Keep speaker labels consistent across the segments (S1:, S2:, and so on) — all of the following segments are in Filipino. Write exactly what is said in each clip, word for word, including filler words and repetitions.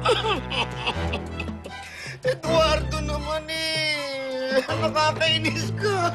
S1: Eduardo naman eh. Nakakainis ka.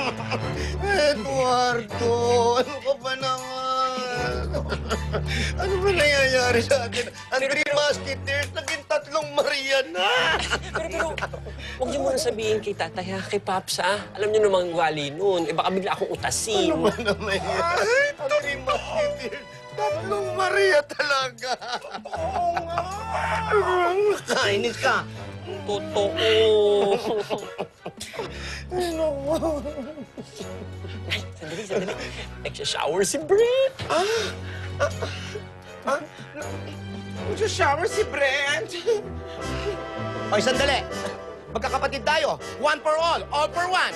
S1: Eduardo, ano ka ba naman? Ano ba nangyayari sa atin? Ang Three Musketeers, naging tatlong Maria na.
S2: Pero, pero, huwag niyo muna sabihin kay tatay, ha? Kay Paps, ha? Alam niyo namang wali nun. Eh, baka bigla akong utasin.
S1: Ano ba naman yan? Ang Three Musketeers, tatlong Maria talaga. Oo nga. Nakainis ka.
S2: Totoo.
S1: Ano mo?
S2: Ay, sandali, sandali. Nagsha-shower si Brent.
S3: Ah? Ah? Ah? Nag-shower si Brent?
S1: Oy, sandali. Magkakapatid tayo. One for all, all for one.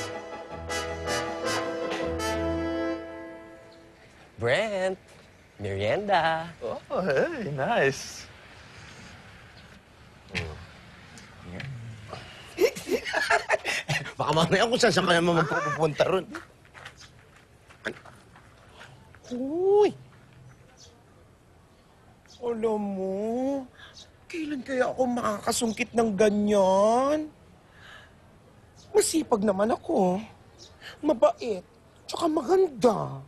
S2: Brent, merienda.
S4: Oh, hey, nice.
S1: Baka mamaya kung saan saan ka naman magpupunta ron.
S3: Uy! Alam mo, kailan kaya ako makakasungkit ng ganyan? Masipag naman ako. Mabait. Tsaka maganda.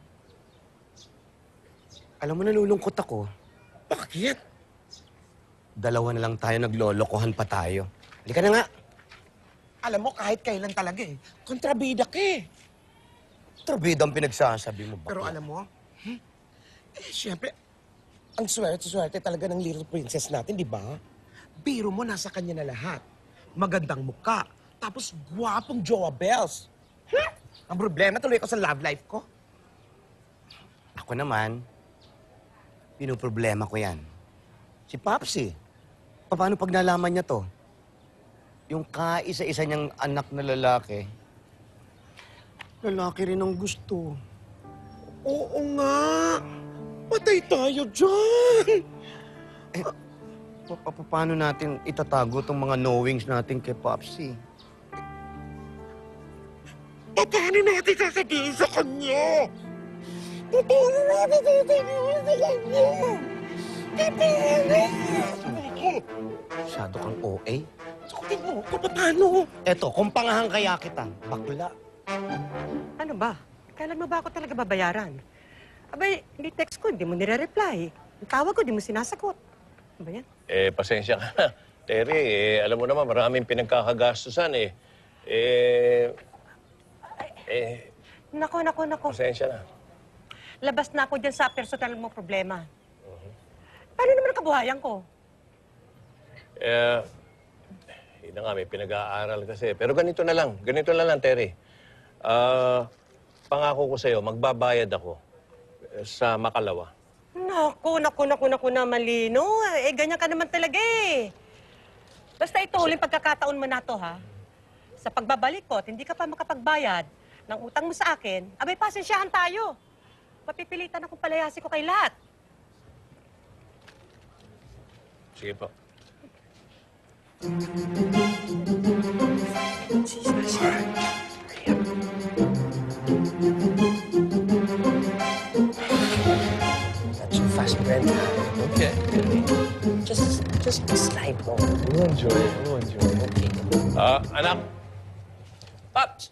S1: Alam mo, nalulungkot ako.
S3: Bakit?
S1: Dalawa na lang tayo, naglolokohan pa tayo. Halika na nga.
S3: Alam mo, kahit kailan talaga eh. Kontrabida ka eh.
S1: Trabida ang pinagsasabi mo ba?
S3: Pero alam mo, hmm? eh, siyempre, ang swerte-swerte talaga ng little princess natin, di ba? Biro mo, nasa kanya na lahat. Magandang muka. Tapos, gwapong Joa Bells. Hmm? Ang problema, tuloy ko sa love life ko.
S1: Ako naman, pinoproblema ko yan. Si Popsy. Paano pag nalaman niya to? Yung kaisa-isa niyang anak na lalaki, lalaki rin ang gusto.
S3: Oo nga. Patay tayo dyan.
S1: Eh, pa- pa- paano natin itatago tong mga knowings natin kay Popsy?
S3: Paano natin sasabihin sa kanya? Paano natin sasabihin sa kanya? Paano?
S1: Masyado kang O A.
S3: Sakutin mo, kung paano?
S1: Eto, kung pangahan kaya kita, bakla.
S5: Ano ba? Kailan mo ba ako talaga babayaran? Abay, hindi text ko, hindi mo nire-reply. Ang tawag ko, hindi mo sinasagot. Ano ba yan?
S6: Eh, pasensya ka na. Terry, eh, alam mo naman, maraming pinagkakagastusan eh. Eh, eh,
S5: Nako, nako, nako.
S6: pasensya na.
S5: Labas na ako dyan sa personal mo problema. Paano naman ang kabuhayan ko?
S6: Eh, yun na nga, may pinag-aaral kasi. Pero ganito na lang, ganito na lang, Terry. Ah, pangako ko sa'yo, magbabayad ako eh, sa Makalawa.
S5: Naku, naku, naku, naku naman, Lino. Eh, ganyan ka naman talaga eh. Basta ito, huling pagkakataon mo na to, ha? Sa pagbabalik ko, at hindi ka pa makapagbayad ng utang mo sa akin, abay, pasensyahan tayo. Mapipilitan akong palayasin ko kay lahat.
S6: Sige po.
S2: Not so fast, Brent.
S6: Okay.
S2: Just, just slide mo.
S4: We'll enjoy it. We'll enjoy it.
S2: Okay.
S6: Ah, anak. Pops!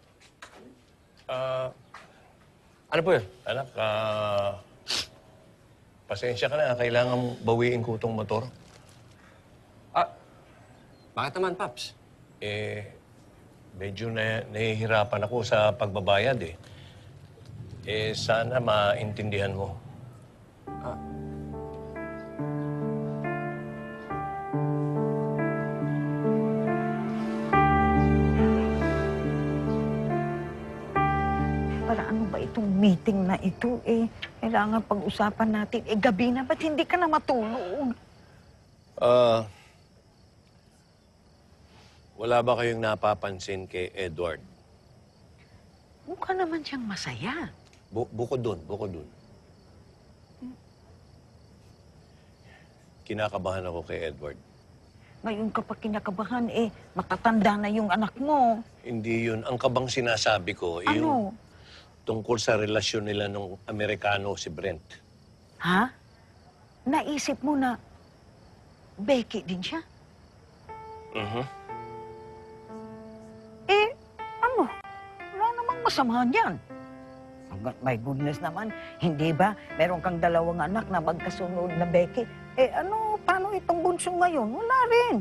S6: Ah, ano po yun? Anak, ah... pasensya ka na, kailangan bawiin ko itong motor.
S2: Ah, bakit naman, Paps?
S6: Eh, medyo na, nahihirapan ako sa pagbabayad eh. Eh, sana maintindihan mo.
S7: Para ano ba itong meeting na ito eh? Kailangan pag-usapan natin. Eh, gabi na, ba't hindi ka na matulog?
S6: Ah... wala ba kayong napapansin kay Edward?
S7: Mukha naman siyang masaya.
S6: Bu bukod dun, bukod dun. Kinakabahan ako kay Edward.
S7: Ngayon ka pa kinakabahan eh, matatanda na yung anak mo.
S6: Hindi yun. Ang kabang sinasabi ko, eh, yung
S7: Ano?
S6: tungkol sa relasyon nila nung Amerikano si Brent.
S7: Ha? Naisip mo na Becky din siya.
S6: Mhm.
S7: Eh, ano? Wala namang masamahan yan. Hanggat my goodness naman, hindi ba meron kang dalawang anak na magkasunod na Becky? Eh ano, paano itong bunso ngayon? Wala rin.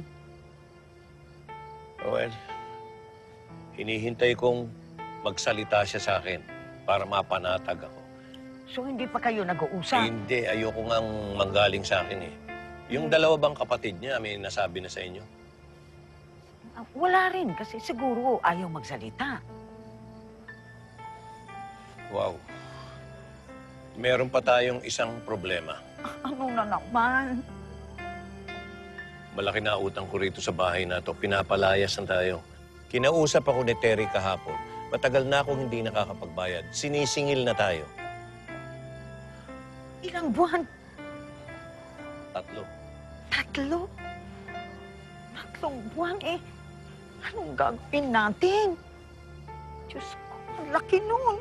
S6: Well, hinihintay kong magsalita siya sa akin para mapanatag ako.
S7: So hindi pa kayo nag-uusap?
S6: Hindi, ayoko ngang manggaling sa akin eh. Yung dalawa bang kapatid niya, may nasabi na sa inyo?
S7: Ah, wala rin, kasi siguro ayaw magsalita.
S6: Wow. Meron pa tayong isang problema.
S7: Ano na naman?
S6: Malaki na utang ko rito sa bahay na to. Pinapalayas na tayo. Kinausap ako ni Terry kahapon. Matagal na akong hindi nakakapagbayad. Sinisingil na tayo.
S7: Ilang buwan?
S6: Tatlo.
S7: Tatlo? Tatlong buwan eh. Anong gagawin natin? Diyos ko, ang laki nun.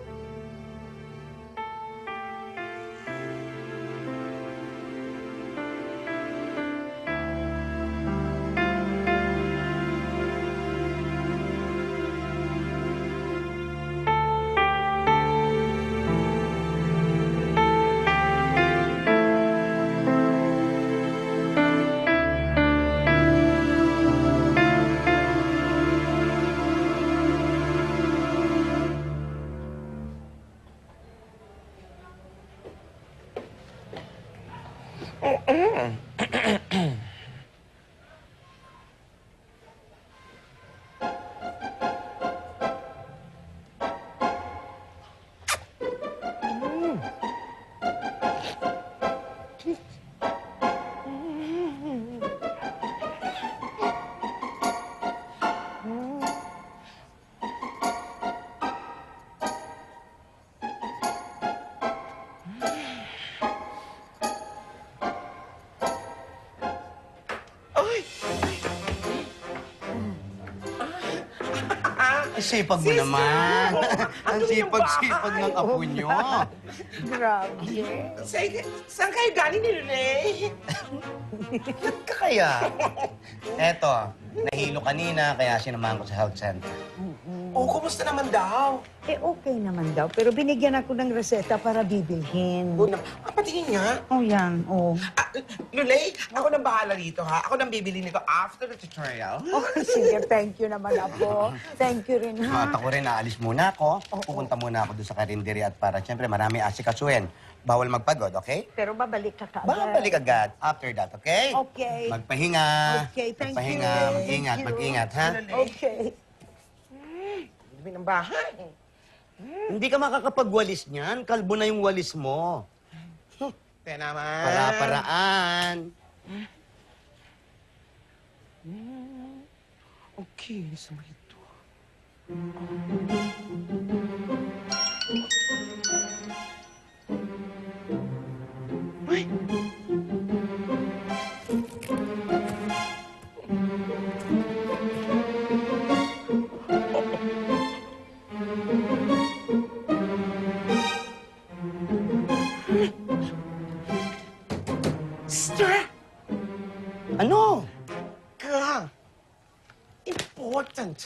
S1: Ang sipag mo naman. Ang sipag-sipag ng apo nyo.
S7: Grabe.
S3: Sa, saan kayo galing ni Renee?
S1: Ba't ka kaya? Eto, nahilo kanina, kaya sinamahan ko sa health center.
S3: Oh, kumusta naman daw?
S7: Eh, okay naman daw. Pero binigyan ako ng reseta para bibilhin.
S3: Oh, na, ah, patingin nga.
S7: Oh, yan. Oh.
S3: Ah, Lulay, ako nang bahala rito, ha? Ako nang bibili nito after the tutorial.
S7: Oh, sige. Thank you naman, Apo. Thank you rin, ha?
S1: At ako rin, aalis muna ako. Pupunta muna ako doon sa karinderya at para, siyempre, marami asikasuhin. Bawal magpagod, okay?
S7: Pero babalik ka kaagad.
S1: Babalik agad after that, okay?
S7: Okay.
S1: Magpahinga.
S7: Okay, thank
S1: Magpahinga,
S7: you.
S1: mag-ingat,
S7: Thank you.
S1: mag-ingat, ha?
S7: Okay.
S3: Dumi ng bahay.
S1: Hindi ka makakapagwalis niyan. Kalbo na yung walis mo.
S3: Kaya naman.
S1: Para-paraan.
S3: Okay, sa mga ito. Ay! Sister!
S1: Ano?
S3: Ka! Important!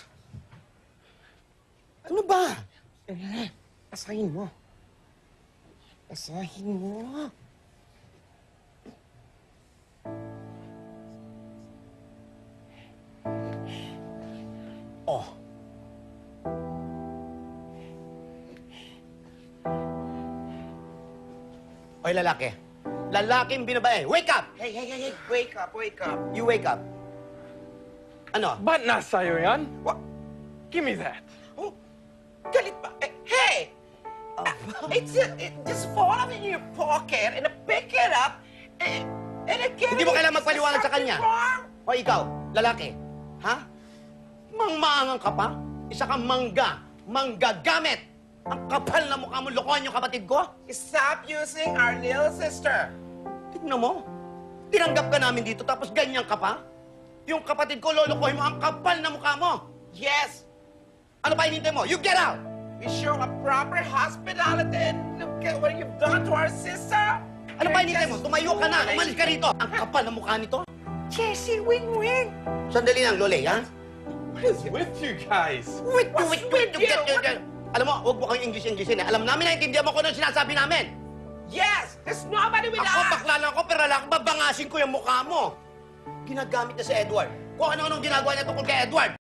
S1: Ano ba?
S3: Eh, asahin mo. Asahin mo.
S1: Oh. Oy, lalaki. Lalaking binabae. Wake up!
S3: Hey, hey, hey, hey, wake up, wake up.
S1: You wake up. Ano?
S4: Ba't nasa'yo yan?
S3: What?
S4: Give me that.
S3: Oh, galit ba? Eh, hey! Ah, it's uh, it just fall in your pocket and I pick it up and, and I get
S1: Hindi mo
S3: it.
S1: kailangan
S3: Is there
S1: magpaliwanag sa
S3: something
S1: kanya.
S3: wrong?
S1: O ikaw, lalaki. Ha? Mangmaangang ka pa? Isa kang mangga. Manggagamit. Ang kapal na mukha mo, lokohan yung kapatid ko.
S3: Stop using our little sister.
S1: Tignan mo. Tinanggap ka namin dito tapos ganyan ka pa? Yung kapatid ko, lolokohin mo, ang kapal na mukha mo.
S3: Yes,
S1: Ano pa hinintay mo? You get out!
S3: we show a proper hospitality and look at what you've done to our sister.
S1: Ano pa
S3: You're
S1: hinintay mo?
S3: just
S1: Tumayo ka na.
S3: fooling.
S1: Umalis ka rito. Ang kapal na mukha nito.
S7: Jessie, win-win.
S1: Sandali lang, Lole, ha?
S4: What is with you guys?
S1: Wait,
S4: What's
S1: wait,
S4: with
S1: wait,
S4: you?
S1: wait, wait. Alam mo, huwag mo kayong English-Englishin, eh. Alam namin, naintindihan mo kung ano sinasabi namin.
S3: Yes! There's nobody with
S1: Ako,
S3: us!
S1: bakla lang ako, pero lang, babangasin ko yung mukha mo. Ginagamit na si Edward. Kung ano-anong ginagawa niya tungkol kay Edward.